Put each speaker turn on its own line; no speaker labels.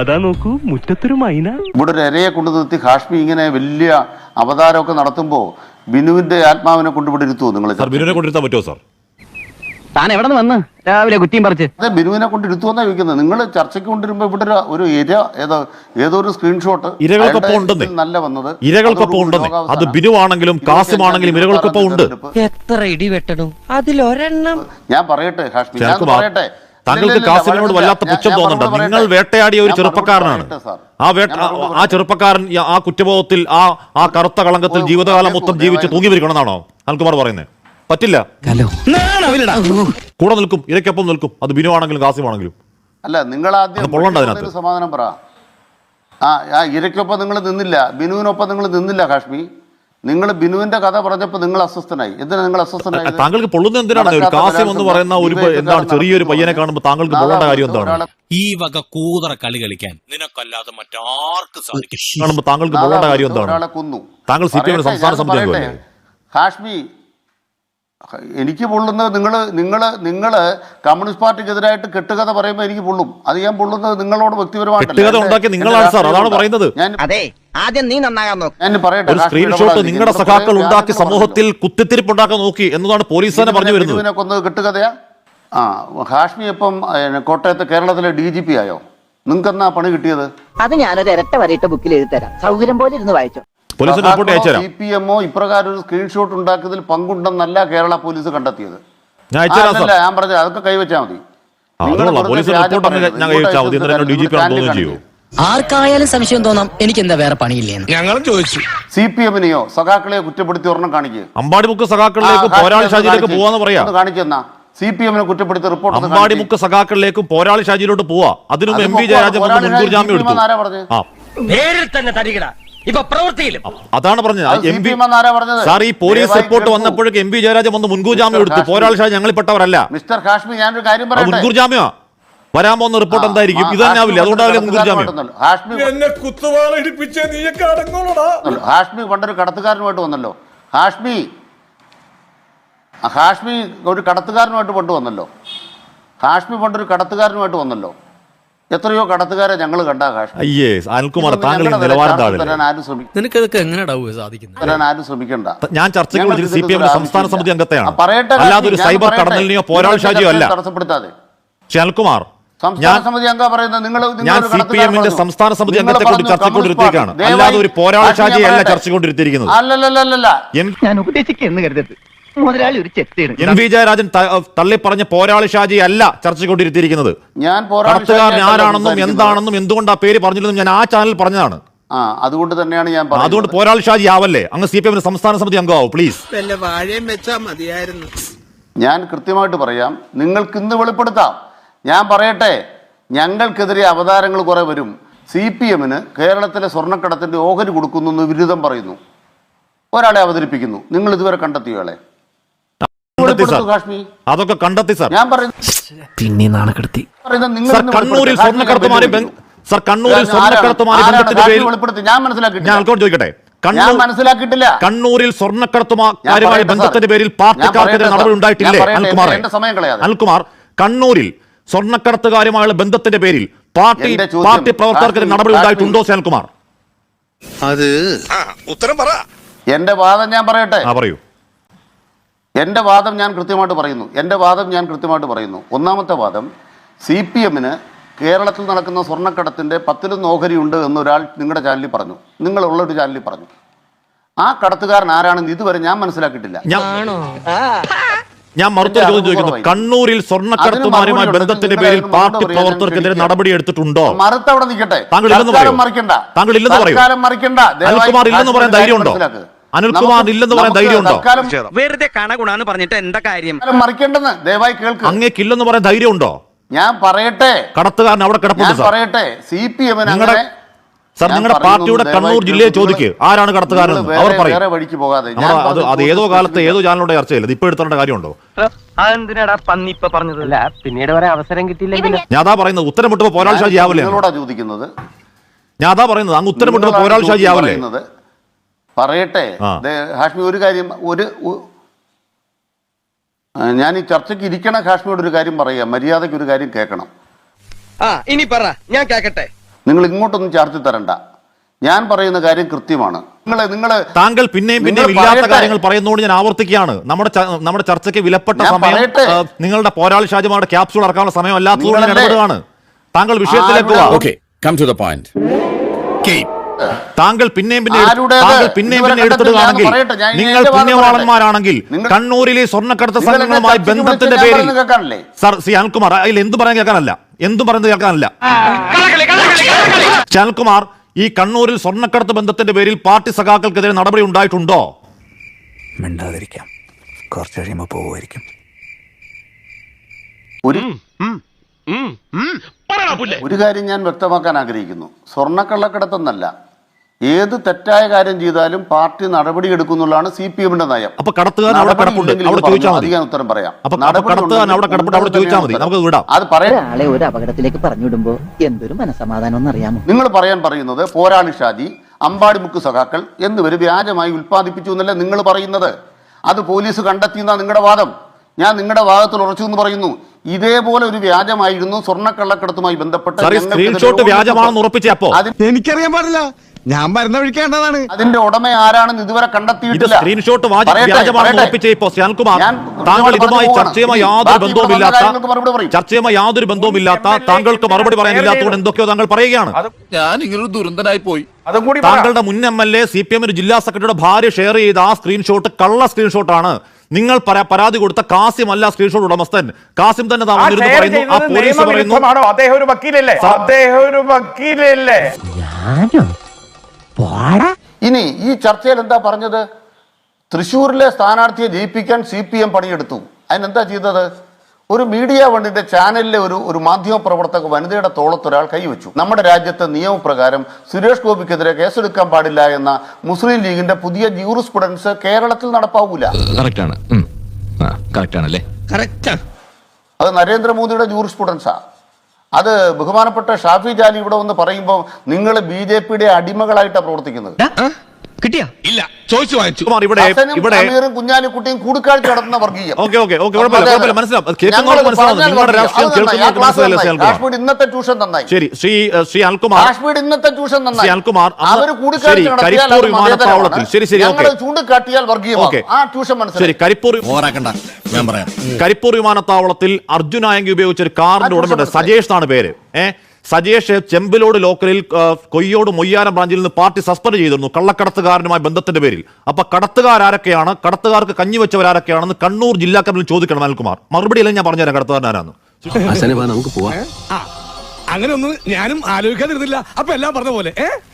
അതാ നോക്കൂ മുറ്റത്തൊരു മൈന.
ഇവിടെ ഒരു ഇരയെ കൊണ്ടു നിർത്തി ഹാഷ്മി ഇങ്ങനെ വലിയ അവതാരമൊക്കെ നടത്തുമ്പോൾ ബിനുവിന്റെ ആത്മാവിനെ കൊണ്ടുവിടെ ഇരുത്തുമോ നിങ്ങൾ?
ബിനുവിനെ കൊണ്ടിരുത്താൻ പറ്റുമോ സാർ?
താൻ എവിടെ നിന്ന് വന്ന് രാവിലെ കുറ്റിയും പറിച്ച്?
അതെ, ബിനുവിനെ കൊണ്ട് ഇരുത്തുവെന്നാ ചോദിക്കുന്നത്. നിങ്ങൾ ചർച്ചയ്ക്ക് കൊണ്ടിരുമ്പോ ഇവിടെ ഒരു ഇര ഏതോ ഒരു സ്ക്രീൻഷോട്ട്
ഇരകൾക്കൊപ്പം ഉണ്ടെന്നേ,
നല്ല വന്നത്
ഇരകൾക്കൊപ്പം ഉണ്ടെന്നേ. അത് ബിനു ആണെങ്കിലും കാസിം ആണെങ്കിലും ഇരകൾക്കൊപ്പം ഉണ്ട്.
എത്ര ഇടി വെട്ടണം അതിലൊരെണ്ണം.
ഞാൻ പറയട്ടെ ഹാഷ്മി, ഞാൻ പറയട്ടെ,
താങ്കൾക്ക് കാസിമിനോട് വല്ലാത്ത പുച്ഛം തോന്നുന്നുണ്ട്. നിങ്ങൾ വേട്ടയാടിയ ഒരു ചെറുപ്പക്കാരനാണ്. ആ ചെറുപ്പക്കാരൻ ആ കുറ്റബോധത്തിൽ ആ കറുത്ത കളങ്കത്തിൽ ജീവിതകാലം മൊത്തം ജീവിച്ച് തൂങ്ങി വരിക്കണമെന്നാണോ അനിൽകുമാർ പറയുന്നത്? പറ്റില്ല. കൂടെ നിൽക്കും, ഇരയ്ക്കൊപ്പം നിൽക്കും. അത് ബിനു ആണെങ്കിലും കാസിം ആണെങ്കിലും.
അല്ല, നിങ്ങൾ ആദ്യം സമാധാനം പറ. ഇരയ്ക്കൊപ്പം നിങ്ങൾ നിന്നില്ല, ബിനുവിനൊപ്പം നിങ്ങൾ നിന്നില്ല ഹാഷ്മി. നിങ്ങൾ ബിനുവിന്റെ കഥ പറഞ്ഞപ്പോൾ നിങ്ങൾ അസ്വസ്ഥനായി. എന്തിനാ നിങ്ങൾ അസ്വസ്ഥനായി?
താങ്കൾക്ക് പൊള്ളുന്ന എന്തിനാണ്? ഒരു കാസിം എന്ന് പറയുന്ന ഒരു എന്താണ് ചെറിയൊരു പയ്യനെ കാണുമ്പോൾ താങ്കൾക്ക് പൊള്ളേണ്ട കാര്യം എന്താണ്?
ഈ വക കൂതറ കളി കളിക്കാൻ നിനക്കല്ലാതെ മറ്റാർക്കും സാധിക്കും.
കാണുമ്പോൾ താങ്കൾക്ക് പൊള്ളേണ്ട കാര്യം എന്താണ്?
ഒരാളെ കൊന്നു.
താങ്കൾ സിപിഎം സംസ്ഥാന സമിതി അംഗമല്ലേ?
ഹാഷ്മി, എനിക്ക് പൊള്ളുന്നത് നിങ്ങള് കമ്മ്യൂണിസ്റ്റ് പാർട്ടിക്കെതിരായിട്ട് കെട്ടുകഥ പറയുമ്പോൾ എനിക്ക് പൊള്ളും. അത് ഞാൻ പൊള്ളുന്നത് നിങ്ങളോട്
വ്യക്തിപരമായിട്ട് നിങ്ങളാണ് സാർ, അതാണ് പറയുന്നത്.
ആദ്യം നീ നന്നാകാൻ നോക്ക്.
ഞാൻ പറയട്ടെ,
ഒരു സ്ക്രീൻഷോട്ട് നിങ്ങളുടെ സഖാക്കൾ ഉണ്ടാക്കി സമൂഹത്തിൽ കുത്തിത്തിരിപ്പുണ്ടാക്കാൻ നോക്കി എന്നതാണ് പോലീസ് തന്നെ പറഞ്ഞു വരുന്നത്.
ബിനുവിനെ കൊന്നത് കെട്ടുകഥയാ? ഹാഷ്മി ഇപ്പം കോട്ടയത്ത് കേരളത്തിലെ DGP ആയോ? നിങ്ങൾക്ക് എന്നാ പണി കിട്ടിയത്?
അത് ഞാനൊരു ഇരട്ട വരയിട്ട ബുക്കിൽ എഴുതി തരാം, സൗകര്യം പോലെ ഇരുന്ന് വായിച്ചോ.
CPMO ഇപ്രകാരം ഒരു സ്ക്രീൻഷോട്ട് ഉണ്ടാക്കിയതിൽ പങ്കുണ്ടെന്നല്ല കേരള പോലീസ് കണ്ടെത്തിയത്. ഞാൻ പറഞ്ഞത് അതൊക്കെ കൈവച്ചാൽ മതി.
ആർക്കായാലും സംശയം തോന്നാം, എനിക്ക് എന്താ വേറെ പണിയില്ലേ?
ഞങ്ങളും ചോദിച്ചു.
CPM-നെയോ സഖാക്കളെയോ കുറ്റപ്പെടുത്തി ഒരെണ്ണം കാണിക്കുക.
അമ്പാടിമുക്ക് സഖാക്കളിലേക്ക് പോരാളി ഷാജിയിലേക്ക് പോവാന്ന് പറയാ.
കാണിക്കുന്ന CPM-നെ കുറ്റപ്പെടുത്തി റിപ്പോർട്ട്.
അമ്പാടിമുക്ക് സഖാക്കളിലേക്കും പോരാളി ഷാജിയിലോട്ട് പോവാ. അതിനും MP ജയരാജൻ മുൻകൂർ ജാമ്യം എടുത്തു.
പേരിൽ തന്നെ തരികിട, ഇപ്പൊ പ്രവൃത്തിയിലും
അതാണ് പറഞ്ഞത്. സാർ, ഈ പോലീസ് റിപ്പോർട്ട് വന്നപ്പോഴേക്ക് MP ജയരാജൻ വന്ന് മുൻകൂർ ജാമ്യം എടുത്തു. പോരാളി ഷാജി ഞങ്ങൾ പെട്ടവരല്ല.
മിസ്റ്റർ ഹാഷ്മി, ഞാനൊരു കാര്യം പറയട്ടെ.
മുൻകൂർ ജാമ്യം വരാൻ പോകുന്ന റിപ്പോർട്ട് എന്തായിരിക്കും? ഇത് തന്നെ ആവില്ല. അതുകൊണ്ടാവില്ല മുൻകൂർ ജാമ്യം.
ഹാഷ്മി പണ്ടൊരു കടത്തുകാരനുമായിട്ട് വന്നല്ലോ. ഹാഷ്മി ഒരു കടത്തുകാരനുമായിട്ട് കൊണ്ടുവന്നല്ലോ. ഹാഷ്മി പണ്ടൊരു കടത്തുകാരനുമായിട്ട് വന്നല്ലോ. എത്രയോ കടത്തുകാരെ ഞങ്ങൾ കണ്ട ഹാഷ്മി.
അനിൽകുമാർ, താങ്കൾ നിലവാരം
ആരും ശ്രമിക്കണ്ട.
ഞാൻ ചർച്ചയ്ക്ക് വിളിച്ചത് CPM സംസ്ഥാന സമിതി അംഗത്തെയാണ്, അല്ലാതെ ഒരു സൈബർ കടന്നലിനെയോ പോരാളി ഷാജിയോ അല്ല.
തടസ്സപ്പെടുത്താതെ
അനിൽകുമാർ,
സംസ്ഥാന സമിതി അംഗം പറയുന്നത്
ഞാൻ CPM-ന്റെ സംസ്ഥാന സമിതി അംഗത്തെ കൊണ്ട് ചർച്ചക്കൊണ്ടിരുത്തിയേക്കാണ്, അല്ലാതെ ഒരു പോരാളി ഷാജിയെ അല്ല ചർച്ചക്കൊണ്ടിരുത്തിയിരിക്കുന്നത്.
ഞാൻ ഉപദേശിക്കുന്നു കരുതരുത്. മുതലാളി ഒരു ചെത്തിയാണ്.
MP ജയരാജൻ തള്ളി പറഞ്ഞ പോരാളി ഷാജി അല്ല ചർച്ചക്കൊണ്ടിരുത്തിയിരിക്കുന്നത്. കടത്തുകാരൻ ആരാണെന്നും എന്താണെന്നും എന്തുകൊണ്ട് ആ പേര് പറഞ്ഞില്ലെന്നും ഞാൻ ആ ചാനൽ പറഞ്ഞതാണ്.
അതുകൊണ്ട് തന്നെയാണ് ഞാൻ
അതുകൊണ്ട് പോരാളി ഷാജി ആവല്ലേ, അങ്ങ് CPM സംസ്ഥാന സമിതി അംഗമാവും പ്ലീസ്.
ഞാൻ കൃത്യമായിട്ട് പറയാം, നിങ്ങൾക്ക് ഇന്ന് വെളിപ്പെടുത്താം. ഞാൻ പറയട്ടെ, ഞങ്ങൾക്കെതിരെ അവതാരങ്ങൾ കുറെ വരും. CPM-ന് കേരളത്തിലെ സ്വർണ്ണക്കടത്തിന്റെ ഓഹരി കൊടുക്കുന്നു വിരുദ്ധം പറയുന്നു, ഒരാളെ അവതരിപ്പിക്കുന്നു. നിങ്ങൾ ഇതുവരെ കണ്ടെത്തിയോളെ?
അതൊക്കെ കണ്ടെത്തി സാർ.
ഞാൻ പറയുന്നത്
പിന്നെ നാണക്കെടുത്തി.
കണ്ണൂരിൽ സ്വർണ്ണക്കടത്തുമാരി ബന്ധത്തിന്റെ പേരിൽ
ഞാൻ മനസ്സിലാക്കിയിട്ടില്ല.
കണ്ണൂരിൽ സ്വർണ്ണക്കടത്തുമാരുമായി ബന്ധത്തിന്റെ പേരിൽ പാർട്ടിക്കാർക്കെതിരെ നടപടി ഉണ്ടായിട്ടില്ലേ അനിൽകുമാർ? കണ്ണൂരിൽ സ്വർണ്ണക്കടത്തുകാരുമായുള്ള ബന്ധത്തിന്റെ പേരിൽ പാർട്ടി പ്രവർത്തകർക്കെതിരെ നടപടി ഉണ്ടായിട്ടുണ്ടോ അനിൽകുമാർ?
അത് ഉത്തരം പറ.
എന്റെ വാദം ഞാൻ പറയട്ടെ.
പറയൂ.
എൻ്റെ വാദം ഞാൻ കൃത്യമായിട്ട് പറയുന്നു. ഒന്നാമത്തെ വാദം, CPM-ന് കേരളത്തിൽ നടക്കുന്ന സ്വർണ്ണക്കടത്തിൻ്റെ 10 ഓഹരിയുണ്ട് എന്നൊരാൾ നിങ്ങളുടെ ചാനലിൽ പറഞ്ഞു, നിങ്ങളുള്ളൊരു ചാനലിൽ പറഞ്ഞു. ആ കടത്തുകാരൻ ആരാണെന്ന് ഇതുവരെ ഞാൻ മനസ്സിലാക്കിയിട്ടില്ല.
ഞാൻ മറുത്തൊരു ചോദ്യം ചോദിക്കുന്നു. കണ്ണൂരിൽ സ്വർണ്ണക്കടത്തുമാരുമായി ബന്ധത്തിന്റെ പേരിൽ പാർട്ടി പ്രവർത്തകർക്കെതിരെ നടപടി എടുത്തിട്ടുണ്ടോ?
മറുത്തവിടെ നിൽക്കട്ടെ.
താങ്കൾ ഇല്ലെന്ന് പറയൂ. അനിൽകുമാർ ഇല്ലെന്ന് പറയാൻ ധൈര്യമുണ്ടോ? അനിൽകുമാർ ഇല്ലെന്ന് പറയാൻ ധൈര്യമുണ്ടോ?
വെറുതെ കണഗുണാന്ന് പറഞ്ഞിട്ട് എന്താ കാര്യം?
മറിക്കേണ്ടെന്ന് ദയവായി കേൾക്ക്.
അങ്ങേക്കില്ലെന്ന് പറയാൻ ധൈര്യമുണ്ടോ?
ഞാൻ പറയട്ടെ,
കടത്തുകാരൻ അവിടെ കിടപ്പുണ്ട്.
പറയട്ടെ, CPM-ന്
സാർ, നിങ്ങളുടെ പാർട്ടിയുടെ കണ്ണൂർ ജില്ലയെ ചോദിക്കുക ആരാണ് കടത്തുകാരൻ, അവർ പറയും. അത് ഏതോ കാലത്ത് ഏതോ ചാനലിലൂടെ ചർച്ചയില്ല, ഇപ്പൊ എടുത്തേണ്ട കാര്യമുണ്ടോ?
പിന്നീട് വരെ അവസരം കിട്ടിയില്ലെങ്കിൽ
ഞാൻ അതാ പറയുന്നത്, ഉത്തരം വിട്ടപ്പോ പോരാളി ഷാജി ആവല്ലേ?
ചോദിക്കുന്നത്
ഞാൻ അതാ പറയുന്നത്, അങ്ങ് ഉത്തരം വിട്ടപ്പോ പോരാളി ഷാജി ആവല്ലേ?
പറയട്ടെ ഹാഷ്മി, ഒരു കാര്യം, ഞാൻ ഈ ചർച്ചയ്ക്ക് ഇരിക്കണ ഹാഷ്മിയോട് ഒരു കാര്യം പറയാം, മര്യാദയ്ക്ക് ഒരു കാര്യം കേൾക്കണം.
ഇനി പറ, ഞാൻ കേക്കട്ടെ.
നിങ്ങൾ ഇങ്ങോട്ടൊന്നും ചാർജ് തരണ്ട. ഞാൻ പറയുന്ന കാര്യം കൃത്യമാണ്. നിങ്ങളെ
താങ്കൾ പിന്നെയും ഇല്ലാത്ത കാര്യങ്ങൾ പറയുന്നതുകൊണ്ട് ഞാൻ ആവർത്തിക്കുകയാണ്. നമ്മുടെ ചർച്ചയ്ക്ക് വിലപ്പെട്ട സമയം നിങ്ങളുടെ പോരാളി ഷാജിമാരുടെ ക്യാപ്സ്യൂൾ ഇറക്കാനുള്ള സമയം അല്ലാത്തതുകൊണ്ട് ഞാൻ ഇടപെടുകയാണ്. താങ്കൾ വിഷയത്തിലേക്ക് വാ. താങ്കൾ പിന്നെയും എടുത്തിടുകയാണെങ്കിൽ, നിങ്ങൾ പുണ്യവാളന്മാരാണെങ്കിൽ കണ്ണൂരിലെ സ്വർണ്ണക്കടത്ത് സംഘങ്ങളുമായി ബന്ധത്തിന്റെ പേരിൽ സർ സി അനിൽകുമാർ, അതിൽ എന്തും പറയുന്നത് കേൾക്കാനല്ല അനിൽകുമാർ, ഈ കണ്ണൂരിൽ സ്വർണ്ണക്കടത്ത് ബന്ധത്തിന്റെ പേരിൽ പാർട്ടി സഖാക്കൾക്കെതിരെ നടപടി ഉണ്ടായിട്ടുണ്ടോ?
മിണ്ടാതിരിക്കാം, കുറച്ച് കഴിയുമ്പോൾ പോവുമായിരിക്കും.
ഒരു കാര്യം ഞാൻ വ്യക്തമാക്കാൻ ആഗ്രഹിക്കുന്നു. സ്വർണ്ണക്കള്ളക്കടത്തെന്നല്ല, ഏത് തെറ്റായ കാര്യം ചെയ്താലും പാർട്ടി നടപടി എടുക്കുന്നുള്ളതാണ് CPM-ന്റെ നയം.
അപ്പൊ കടത്തുകാരൻ അവിടെ കിടപ്പുണ്ട്, അവിടെ ചോദിച്ചാൽ മതി.
ഞാൻ ഉത്തരം പറയാം.
അവിടെ ചോദിച്ചാൽ മതി, നമുക്ക് വിടാം.
അത് പറയാം.
ഒരാളെ ഒരു അപകടത്തിലേക്ക് പറഞ്ഞുവിടുമ്പോ എന്തൊരു മനസമാധാനം എന്നറിയാമോ?
നിങ്ങൾ പറയുന്നത് പോരാളി ഷാജി, അമ്പാടിമുക്ക് സഖാക്കൾ എന്നിവർ വ്യാജമായി ഉൽപ്പാദിപ്പിച്ചു എന്നല്ല നിങ്ങൾ പറയുന്നത്. അത് പോലീസ് കണ്ടെത്തിയെന്ന നിങ്ങളുടെ വാദം. ഞാൻ നിങ്ങളുടെ വാദത്തിൽ ഉറച്ചു എന്ന് പറയുന്നു. ഇതേപോലെ ഒരു വ്യാജമായിരുന്നു സ്വർണ്ണക്കള്ളക്കടത്തുമായി ബന്ധപ്പെട്ട്
സ്ക്രീൻഷോട്ട് വ്യാജമാണെന്ന് ഉറപ്പിച്ചപ്പോ
എനിക്കറിയാൻ പാടില്ല, ഞാൻ മരുന്ന് ഒഴിക്കേണ്ടതാണ്.
അതിന്റെ ഉടമ ആരാണെന്ന് ഇതുവരെ കണ്ടെത്തിയിട്ടില്ല.
സ്ക്രീൻഷോട്ട് വ്യാജമാണെന്ന് ഉറപ്പിച്ചപ്പോ ശ്യാൽകുമാർ, താങ്കൾ ഇതുമായി ചർച്ചയുമായി യാതൊരു ബന്ധവുമില്ലാത്ത താങ്കൾക്ക് മറുപടി പറയാനില്ലാത്തതുകൊണ്ട് എന്തൊക്കെയോ താങ്കൾ പറയുകയാണ്.
ഞാൻ ഇങ്ങനൊരു ദുരന്തനായി പോയി.
താങ്കളുടെ മുൻ MLA CPM ജില്ലാ സെക്രട്ടറിയുടെ ഭാര്യ ഷെയർ ചെയ്ത ആ സ്ക്രീൻഷോട്ട് കള്ള സ്ക്രീൻഷോട്ടാണ്. നിങ്ങൾ പരാതി കൊടുത്ത കാസിം അല്ല സ്ക്രീൻഷോട്ട് ഉടമസ്ഥൻ, കാസിം തന്നെ പറയുന്നു. ആ പോലീസ് പറയുന്നു
അദ്ദേഹം ഒരു വക്കീലല്ലേ.
ഇനി ഈ ചർച്ചയിൽ എന്താ പറഞ്ഞത്? തൃശ്ശൂരിലെ സ്ഥാനാർത്ഥിയെ ജയിപ്പിക്കാൻ CPM പണിയെടുത്തു. അതിനെന്താ ചെയ്തത്? ഒരു മീഡിയ വണ്ടിന്റെ ചാനലിലെ ഒരു മാധ്യമ പ്രവർത്തക വനിതയുടെ തോളത്തൊരാൾ കൈവച്ചു. നമ്മുടെ രാജ്യത്തെ നിയമപ്രകാരം സുരേഷ് ഗോപിക്കെതിരെ കേസെടുക്കാൻ പാടില്ല എന്ന മുസ്ലിം ലീഗിന്റെ പുതിയ ജൂറിസ്പ്രുഡൻസ് കേരളത്തിൽ നടപ്പാവൂല. അത് നരേന്ദ്രമോദിയുടെ ജൂറിസ്പ്രുഡൻസാ. അത് ബഹുമാനപ്പെട്ട ഷാഫി ജാലി ഇവിടെ വന്ന് പറയുമ്പോൾ നിങ്ങൾ BJP-യുടെ അടിമകളായിട്ടാണ് പ്രവർത്തിക്കുന്നത്.
കിട്ടിയാ ഇല്ല, ചോദിച്ചു വാങ്ങിച്ചു.
കുഞ്ഞാലിക്കുട്ടിയും കൂടിക്കാഴ്ച നടത്തുന്ന വർഗീയം. കാശ്മീർ ഇന്നത്തെ ട്യൂഷൻ നന്നായി.
ശരി, ശ്രീ അനിൽകുമാർ,
കാശ്മീർ ഇന്നത്തെ ട്യൂഷൻ നന്നായി.
അവർ
കൂടിക്കാഴ്ച
കരിപ്പൂർ വിമാനത്താവളത്തിൽ
ചൂണ്ടിക്കാട്ടിയാൽ വർഗീയം. ആ ട്യൂഷൻ മനസ്സിലായി.
കരിപ്പൂർ വിമാനത്താവളത്തിൽ അർജുനായങ്കി ഉപയോഗിച്ച ഒരു കാറിന്റെ ഉടമയുടെ സജേഷ് എന്നാണ് പേര്. സജേഷ് ചെമ്പിലോട് ലോക്കലിൽ കൊയ്യോട് മൊയ്യാരം ബ്രാഞ്ചിൽ നിന്ന് പാർട്ടി സസ്പെൻഡ് ചെയ്തിരുന്നു കള്ളക്കടത്തുകാരനുമായി ബന്ധത്തിന്റെ പേരിൽ. അപ്പൊ കടത്തുകാരൊക്കെയാണ്, കടത്തുകാർക്ക് കഞ്ഞി വെച്ചവരാരൊക്കെയാണെന്ന് കണ്ണൂർ ജില്ലാ കമ്മിറ്റി ചോദിക്കണം അനിൽകുമാർ. മറുപടി അല്ല ഞാൻ പറഞ്ഞുതരാം കടത്തുകാരനാരാന്ന്.
അങ്ങനെ ഒന്നും ഞാനും ആലോചിക്കാതിരുന്നില്ല. അപ്പൊ എല്ലാം പറഞ്ഞ പോലെ